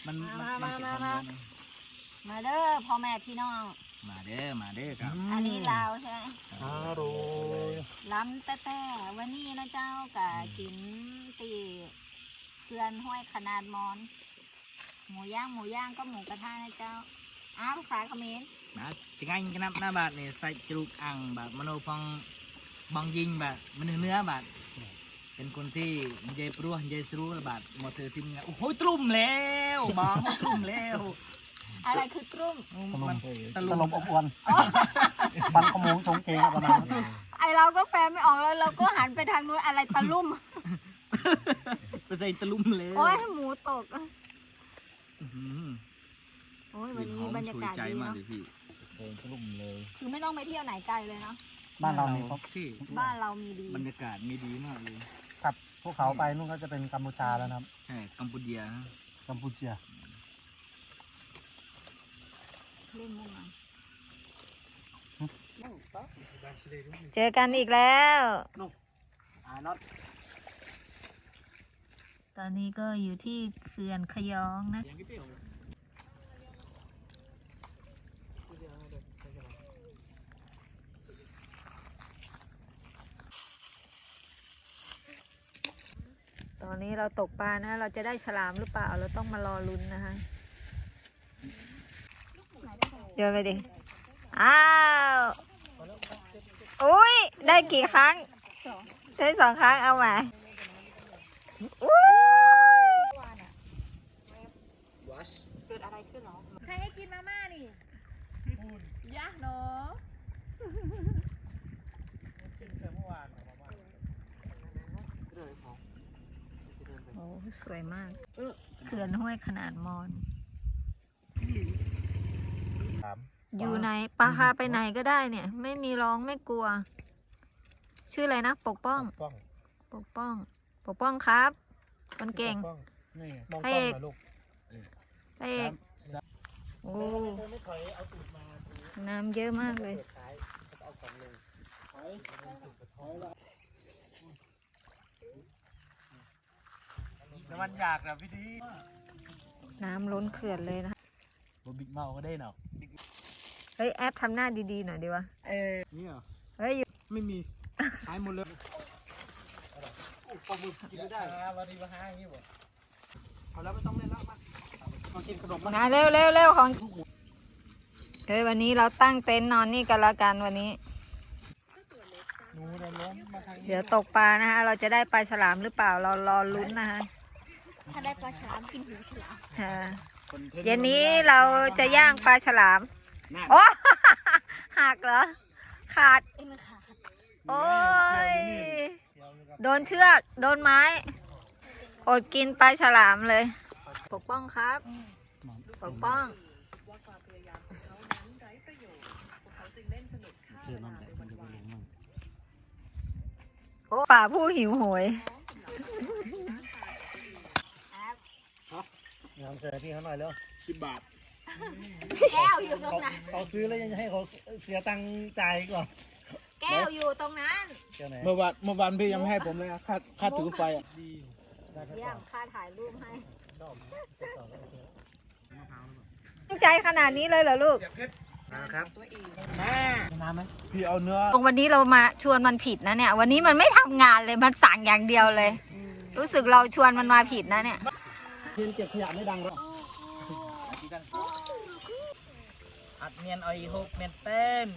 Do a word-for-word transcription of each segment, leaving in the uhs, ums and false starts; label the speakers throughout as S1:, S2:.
S1: มัน
S2: มา
S1: มั
S2: มาน
S1: เก็บ
S2: มา
S1: ความ
S2: มา
S1: ร้อนนะ
S2: มาเด้อพ่อแม่พี่น้อง
S1: มาเด้อมาเด้อครับ
S2: อันนี้ลาวใช่ไหม
S3: อร่อย
S2: ล้ำแต่แต่วันนี้นะเจ้ากะกินตีเกลือนห้วยขนาดมอน หมูย่างหมูย่างก็หมูกระทะนะเจ้าอ้าวภาษาเขมร
S1: นะจะง่ายกันนับหน้าบาทเนี่ยใส่จรุกอ่างแบบมโนพองบองยิงแบบมันเนื้อบาทเป็นคนที่มันใจปลัวมันใจสรู้บาทหมดเธอทีมงานโอ้โหตรุ่มแล้วบองตรุ่มแล้ว
S2: อะไรคือตรุ่ม
S1: มัน
S3: ต
S1: ตะ
S3: ล
S1: ลุ
S3: บ
S1: ม
S3: อบอวนปันขโมงชงเชงประมาณนั้น
S2: ไอเราก็แฟนไม่ออกแล้วเราก็หันไปทางนู้นอะไรตะลุ่ม
S1: ไปใส่ตะลุมแล้ว
S2: โอ้ยหมูตก
S1: อื้อหือ
S2: โอ้ยวันนี้บรรยากาศ
S1: ใจ
S2: ดี
S1: มาก
S2: เนาะ
S1: เลยพี่
S3: เซงกลุ่มเลย
S2: คือไม่ต้องไปเที่ยวไหนไกลเลยเนาะ
S3: บ้านเรานี่ครับ
S1: ที่
S2: บ้านเรามีดี
S1: บรรยากาศมีดีมากเลย
S3: ขับพวกเขาไปนู่นก็จะเป็นกัมพูชาแล้วนะครับ
S1: ใช่กัมพูเดียนะ
S3: กัมพูชา
S2: เล่นมุกหน่อยเจอกันอีกแล้ว
S1: อ่าน็อต
S2: ตอนนี้ก็อยู่ที่เขื่อนขยองนะ
S1: ยังกี่เดียว
S2: ตอนนี้เราตกปลานะ เราจะได้ฉลามหรือเปล่า เราต้องมารอลุ้นนะคะเดี๋ยวเลยดิ อ้าว อุ้ย ได้กี่ครั้ง ได้สองครั้ง เอามาอุ้ย
S4: เกิดอะไรขึ้นหรอ ใครให้กินมาม่านี่ยากเนาะ
S2: โอ้สวยมากเขื่อนห้วยขนาดมอน อยู่ไหนปลาพาไปไหนก็ได้เนี่ย ไม่มีร้องไม่กลัว ชื่ออะไรนะ ปกป้อง
S3: ป้อง
S2: ปกป้อง ปกป้องครับคนเก่ง
S3: นี่มอง
S2: พระ
S3: กล้
S2: เอ
S3: อง
S2: ก
S3: หน่อยลูก
S2: พระเอกโอ้น้ำเยอะมากเลย
S1: น้ำมันอยากนะพี่ดี
S2: น้ำล้นเขื่อนเลยนะ
S1: บบิ๊กเมาก็ได้เนาะ
S2: เฮ้ยแอปทำหน้าดีๆหน่อยดีวะ
S1: เออนี่เหรอ
S2: เฮ้ย
S1: ไม่มีหายหมดเลยปลาหมึกกินไม่ได้วันนี้มาหาอย่างนี้บ่เอาแล้วไม่ต้องเล่นแล้วมามากินขนม
S2: งานเร็วเร็วเร็วของเฮ้ยวันนี้เราตั้งเต็นท์นอนนี่กันละกันวันนี้
S3: หนูเดินล้มมาทางนี้
S2: เดี๋ยวตกปลานะคะ เราจะได้ปลาฉลามหรือเปล่า เรารอลุ้นนะคะ
S4: ถ้าได้ปลาฉลามกินหูฉลาม
S2: ค่ะเย็นนี้เราจะย่างปลาฉลาม โอ้ หักเหรอ ขาด
S4: เอ็นขาด
S2: โอ้ย โดนเชือก โดนไม้ อดกินปลาฉลามเลย ปกป้องครับ ปกป้อง
S3: เชื่อน้ำแดงมันจะไปลงมั่ง
S2: โอ้ป่าผู้หิวโหย
S3: งานเสียพี่เขาหน่อยเร็ว
S1: สิบบาท
S2: แก้วอยู่ตรง
S3: เขา
S2: นั้น
S3: เขาซื้อแล้วยังจะให้เขาเสียตังค์จ่ายอีกเหรอ
S2: แก้วอยู่ตรงนั้น
S3: เจ้าไหน
S1: เมื่อวานเมื่อวานพี่ยังไม่ให้ผมเลยค่าค่าถือไฟอ่ะ
S2: เยี่ยมค่าถ่ายรูปให้ตั้งใจขนาดนี้เลยเหรอลูก
S3: นะครับ
S1: น้ำไหมพี่เอาเนื้อ
S2: วันนี้เรามาชวนมันผิดนะเนี่ย วันนี้มันไม่ทำงานเลย มันสั่งอย่างเดียวเลย รู้สึกเราชวนมันมาผิดนะเนี่ย
S3: เพียนเก็บขยะไม่ดังหรอก
S1: อัดเนียนเอาอีกหกเมตรเต้น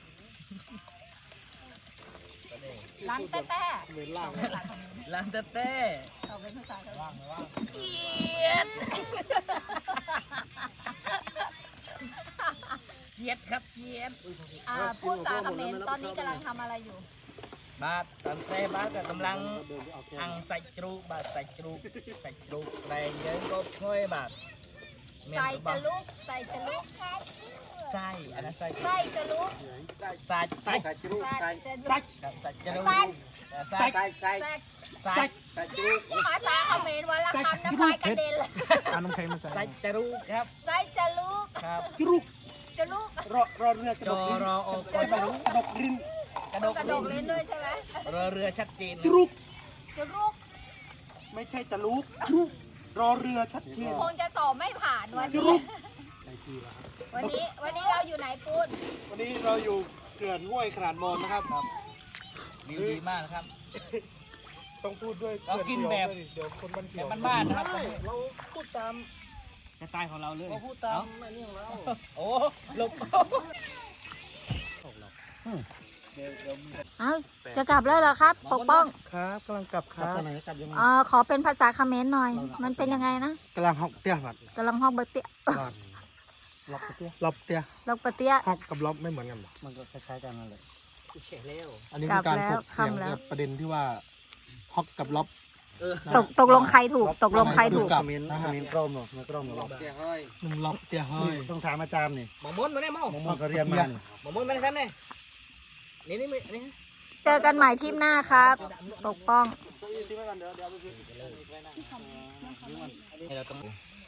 S2: ร้านแต้แต้
S3: เหมือนล่าง
S1: ร้านเต้เต้
S2: เขาเป็นภาษา
S3: ว่างไหมว่าง
S2: เกียด
S1: เกียดครับเกียด
S2: อ่าพูดจาคอมเมนต์ตอนนี้กำลังทำอะไรอยู่
S1: บาทตอนเต้บาทก็กำลังอังใส่จรูกบาทใส่จรูกใส่จรูกแรงเยอะก็ช่วยบาท
S2: ใส่จะลุก ใส่จะลุก
S1: ไส้อันนั้นไส้
S2: ใส่จะลุก
S1: ไส้ไส้
S3: ใส่จรูก
S2: ใส่
S3: ใส่
S2: จะลุก
S1: ใส่จรูก
S2: ไส้
S1: ไส้
S3: ใส่ใส่ใส่
S2: ใส่
S1: ไส้
S3: ใส่จรูก
S2: ภาษาคอมเมนต์วันละคำน้ำลายกระเด็นเลย
S3: อ่านน้ำแข็งมาใส่
S1: ไส้จรูกครับ
S2: ใส่จะลุก
S1: ครับ
S3: จรูก
S2: จะลุก
S3: รอรอเรือกระ
S1: จ
S3: ด
S1: อก
S3: ลิ้น
S1: รอโอก
S3: กระดกกระดกลิ้น
S1: กระด
S2: ต้อง
S1: ก
S2: กระดกลิ้นด้วยใช่ไหม
S1: เรือเรือชัดเจน
S3: จรูก
S2: จะลุก
S3: ไม่ใช่จะลูก
S2: จ
S3: รอเรือชัดเจน
S2: คงจะสอบไม่ผ่านวันนี้วันนี้วันนี้เราอยู่ไหนปูน
S3: วันนี้เราอยู่เขื่อนห้วยขนาดมนนะครับ
S1: วิวดีมากนะครับ
S3: ต้องพูดด้วย
S1: เรากินแบบ
S3: เดี๋ยวคนมันเกี่
S1: แบ
S3: ยว
S1: บบ้านๆนะครับ
S3: ใช่เราพูดตาม
S1: สไตล์ของเราเลย
S3: เราพูดตามไอ้นี่ของเรา
S1: โอ้หลบ
S2: เอ้าจะกลับแล้วเหรอครับ ปกป้อง
S3: ครับกำลังกลับครับกำลังกลับยังไง
S2: เอ่อขอเป็นภาษาเขมรหน่อย มันเป็นยังไงนะ
S3: กำลังฮอกเตี้ยบัด
S2: กำลังฮอกเบอร์เตีย
S3: บัดล็อกเตี้ยล็อกเตี้ย
S2: ลอกเบอร์เตีย
S3: ฮอกกับล็อกไม่เหมือนกันหรอมันก็คล้ายๆกันนั่นแหละ
S1: เฉยเร็ว
S3: อันนี้คือการ
S2: กลับแล้ว
S3: ถกเถียง
S2: ค่ำแล้ว
S3: กับประเด็นที่ว่าฮอกกับล็อก
S1: เออ
S2: ตกตกลงใครถูก ตกลงใครถูก
S3: กับมินมินกรมหรอมินกรมหรอล็อกเตี้ยเฮ้ยนุ่มล็อกเตี้ยเฮ้ยต้องถามอาจารย์นี่
S1: หมอม้วนมาได้มั้ง
S3: มันก็เรียนมานี่
S1: หมอม้วนมาได้ชั้นเนี่ยนี่นี่นี่
S2: เจอกันใหม่ทริปหน้าครับ ปกป้อง
S1: เราต้อง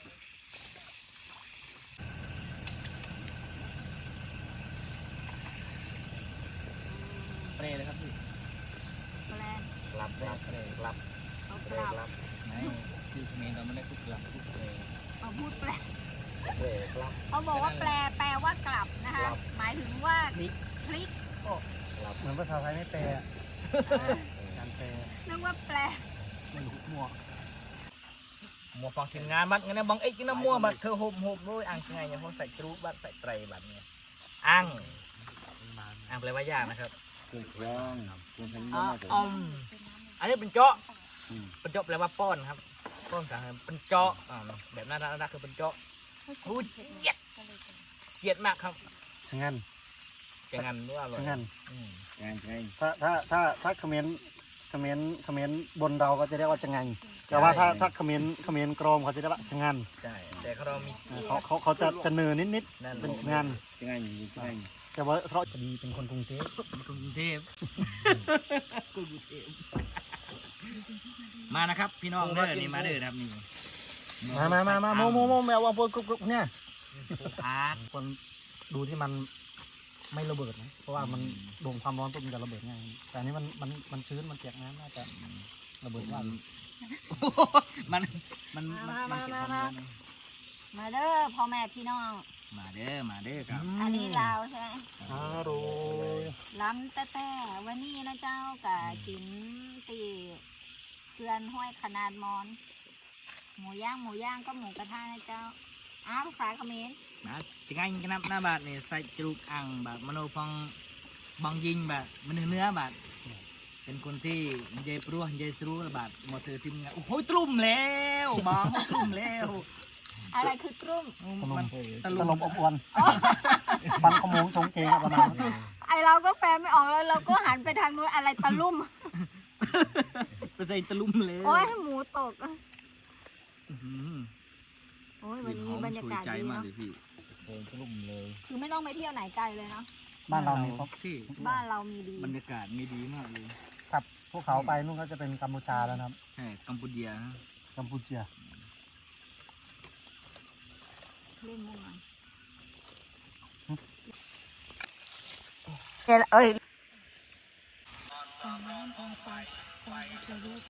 S1: เปรย์เลยครับพี่กลับกลับเปรย์กลับเปรย์กลับไหนคือเมนเราไม่ได้พูดกลับพูดเปรย์
S2: เอาพูดแปล
S1: เปรย์กลับ
S2: เขาบอกว่าแปลแปลว่ากลับนะคะ หมายถึงว่าพลิก
S3: เหมือนภาษาไทยไม่แปลอะการแปล
S2: นึกว่าแปล
S3: ไม่รู้มั่ว
S1: มัวฟังทีมงานบัดงั้นบางเอ็กซ์นะมัวบัดเธอโฮมโฮมด้วยอ่างไงเนี่ยพวกใส่กรูบัดใส่ไตรบัดเนี่ยอ่างอ่างแปลว่ายากนะครับ
S3: เครื่องเครื่องเครื่องทั้ง
S1: อ๋อ
S3: นี้
S1: อมอันนี้เป็นเจาะเป็นเจาะแปลว่าป้อนครับป้อนกันเป็นเจาะอ่าแบบน่ารักน่ารักคือเป็นเจาะหูเยียดเยียดมากครับ
S3: ชะงัน
S1: จะงันด้วยอร่อย
S3: ชะงัน
S1: อืม
S3: งานไงถ้าถ้าถ้าถ้าคอมเมนต์คอมเมนต์คอมเมนต์บนเราก็จะเรียกว่าชะงันแต่ว่าถ้าถ้าคอมเมนต์คอมเมนต์กรมเขาจะเรียกว่าชะงัน
S1: ใช่แต่เขาเรามี
S3: เขาเขาเขาจะจะเนินนิดนิด
S1: นั่น
S3: ๆเป็นชะงัน
S5: ยังไงยังไง
S3: แต่ว่าเราพอดีเป็นคนกรุงเทพ
S1: กรุงเทพกรุงเทพมานะครับพี่น้องเด้อนี่มาเด้อนะครับนี่
S3: มามามามาโมโมโมแมววางบนกรุบๆเนี่ย
S1: อาร์ต
S3: คนดูที่มันไม่ระเบิดนะเพราะว่ามันโดนความร้อนปุ๊บมันจะระเบิดง่ายแต่อันนี้มันมันมันชื้นมันเปียกน้ำน่าจะระเบิดยาก
S1: มันมันมันมันเก็บความร้อน
S2: มาเด้อพ่อแม่พี่น้อง
S1: มาเด้อมาเด้อครับ
S2: อันนี้ลาวใช่ไหม
S3: อร่อย
S2: ล้ำแต่แต่วันนี้นะเจ้ากับกินตีเกลือนห้วยขนาดมอน หมูย่างหมูย่างก็หมูกระทะนะเจ้าอ้าวภาษาเขมร
S1: นะจะง่ายกันนับหน้าบาทเนี่ยใส่จรูกอ่างแบบมโนพองบองยิงแบบมันเนื้อบาทเป็นคนที่มันใจปลัวมันใจสรู้บาทหมดเธอทีมงานโอ้โหตลุ่มแล้วบองตลุ่มแล้ว
S2: อะไรคือตรุ่ม
S1: มันต
S3: ต
S1: ลุ่
S3: ล
S1: ม
S3: บอบอวนปันขโมงชงเชงประมาณนั้น
S2: ไอเราก็แปลไม่ออกแล้วเราก็หันไปทางนู้นอะไรตะลุ่ม
S1: ไปใส่ตลุ่มเลย
S2: โอ้ยหมูตก
S1: อื้อหือ
S2: โอ้ยวันนี้บรรยากาศดีเนาะ
S1: เซ็งตลุ่มเลย
S2: คือไม่ต้องไปเที่ยวไหนไกลเลยเนาะ
S3: บ้านเรานี่ครับ
S1: ที่
S2: บ้านเรามีดี
S1: บรรยากาศมีดีมากเลย
S3: ขับพวกเขาไปนู่นก็จะเป็นกัมพูชาแล้วนะครับ
S1: ใช่กัมพูเดียนะ
S3: กัมพูชา
S2: เล่นมุกหน่อยเอ้ย